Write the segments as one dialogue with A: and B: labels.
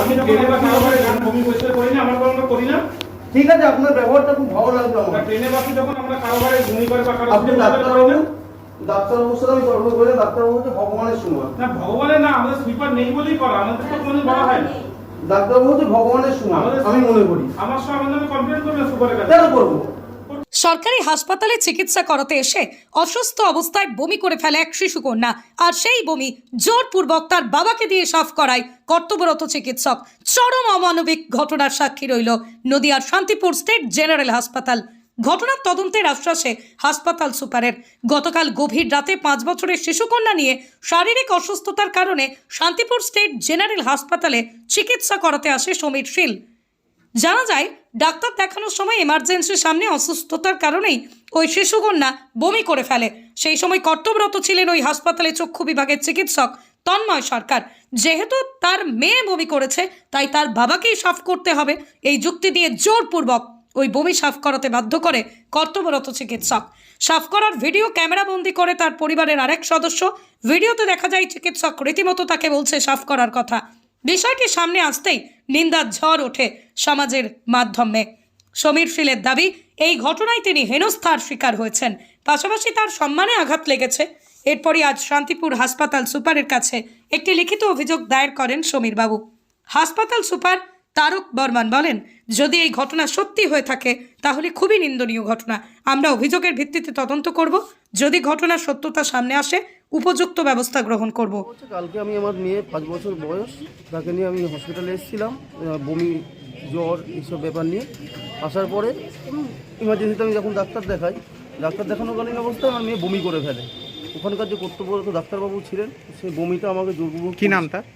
A: আমি ট্রেনে বা কারবারে গান বমি পরিষ্কার করি না, আমার কোনো করি না।
B: ঠিক আছে, আপনার ব্যবহারটা খুব ভালো লাগলো আমার।
A: ট্রেনে বাসে যখন আমরা কারবারে বমি করে বা
B: আপনি ডাক্তারবাবুর সাথে আমি তর্ক করে ডাক্তারবাবু হচ্ছে ভগবানের সমান।
A: না ভগবানের না, আমাদের স্লিপার নেই বলেই করা, আমাদের তো কোনো বলা হয় না।
B: ডাক্তারবাবু হচ্ছে ভগবানের সমান আমি মনে করি।
A: আমার সঙ্গে আমার নামে কমপ্লেন করবে সুপারের কাছে।
B: কেন করবো?
C: সরকারি হাসপাতালে চিকিৎসা করাতে এসে অসুস্থ অবস্থায় বমি করে ফেলে এক শিশুকন্যা, আর সেই বমি জোরপূর্বক তার বাবাকে দিয়ে সাফ করায় কর্তব্যরত চিকিৎসক। চরম অমানবিক ঘটনার সাক্ষী রইল নদিয়ার শান্তিপুর স্টেট জেনারেল হাসপাতাল। ঘটনার তদন্তের আশ্বাসে হাসপাতাল সুপারের। গতকাল গভীর রাতে 5 বছরের শিশুকন্যা নিয়ে শারীরিক অসুস্থতার কারণে শান্তিপুর স্টেট জেনারেল হাসপাতালে চিকিৎসা করাতে আসে সমীর শীল। জানা যায়, ডাক্তার দেখানোর সময় এমার্জেন্সির সামনে অসুস্থতার কারণেই ওই শিশুকন্যা বমি করে ফেলে। সেই সময় কর্তব্যরত ছিলেন ওই হাসপাতালে চক্ষু বিভাগের চিকিৎসক তন্ময় সরকার। যেহেতু তার মেয়ে বমি করেছে, তাই তার বাবাকেই সাফ করতে হবে, এই যুক্তি দিয়ে জোরপূর্বক ওই বমি সাফ করাতে বাধ্য করে কর্তব্যরত চিকিৎসক। সাফ করার ভিডিও ক্যামেরাবন্দি করে তার পরিবারের আরেক সদস্য। ভিডিওতে দেখা যায় চিকিৎসক রীতিমতো তাকে বলছে সাফ করার কথা। বিষয়টি সামনে আসতেই নিন্দার ঝড় ওঠে সমাজের মাধ্যমে। সমীর শীলের দাবি, এই ঘটনায় তিনি হেনস্থার শিকার হয়েছেন, পাশাপাশি তার সম্মানে আঘাত লেগেছে। এরপরই আজ শান্তিপুর হাসপাতাল সুপারের কাছে একটি লিখিত অভিযোগ দায়ের করেন সমীর বাবু। হাসপাতাল সুপার তারক বর্মন বলেন, যদি এই ঘটনা সত্যি হয়ে থাকে তাহলে খুবই নিন্দনীয় ঘটনা। আমরা অভিযোগের ভিত্তিতে তদন্ত করব, যদি ঘটনার সত্যতা সামনে আসে উপযুক্ত ব্যবস্থা গ্রহণ করব।
B: কালকে আমি আমার মেয়ে 5 বছর বয়স, তাকে নিয়ে আমি হসপিটালে এসেছিলাম বমি জ্বর এইসব ব্যাপার নিয়ে। আসার পরে ইমার্জেন্সিতে আমি যখন ডাক্তার দেখানোকালীন অবস্থায় আমার মেয়ে বমি করে ফেলে। ওখানকার যে কর্তব্যরত ডাক্তারবাবু ছিলেন, সেই বমিটা আমাকে জোরপূর্বক,
D: কি নাম তার?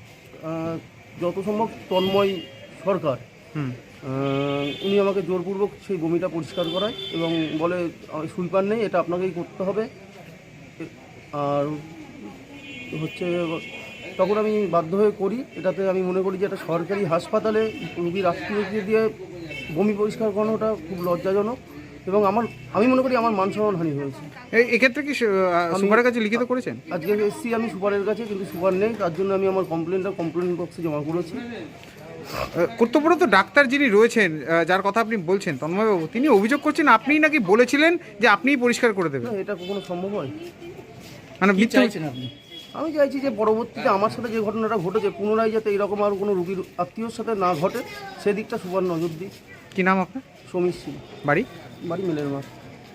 B: যত সম্ভব তন্ময় সরকার। উনি আমাকে জোরপূর্বক সেই বমিটা পরিষ্কার করায় এবং বলে সুইপার নেই, এটা আপনাকেই করতে হবে। আর হচ্ছে তখন আমি বাধ্য হয়ে করি। এটাতে আমি মনে করি যে এটা সরকারি হাসপাতালে রোগীর আত্মীয়কে দিয়ে বমি পরিষ্কার করানোটা খুব লজ্জাজনক এবং আমি মনে করি আমার মান সম্মান হানি হয়েছে।
D: এক্ষেত্রে কি সুপারের কাছে লিখিত করেছেন?
B: আজকে এসছি আমি সুপারের কাছে, কিন্তু সুপার নেই, তার জন্য আমি আমার কমপ্লেন বক্সে জমা করেছি।
D: কর্তব্যরত ডাক্তার যিনি রয়েছেন, যার কথা আপনি বলছেন তন্ময়বাবু, তিনি অভিযোগ করছেন আপনিই নাকি বলেছিলেন যে আপনিই পরিষ্কার করে দেবেন।
B: এটা কখনো সম্ভব হয়?
D: মানে
B: চাইছেন আপনি? আমি চাইছি যে পরবর্তীতে আমার সাথে যে ঘটনাটা ঘটেছে পুনরায় যাতে এরকম আর কোনো রোগীর আত্মীয়র সাথে না ঘটে, সেদিকটা সুপার নজর দিই।
D: কি নাম আপনার?
B: সমীর শীল।
D: বাড়ি?
B: বাড়ি মেলের মাঠ।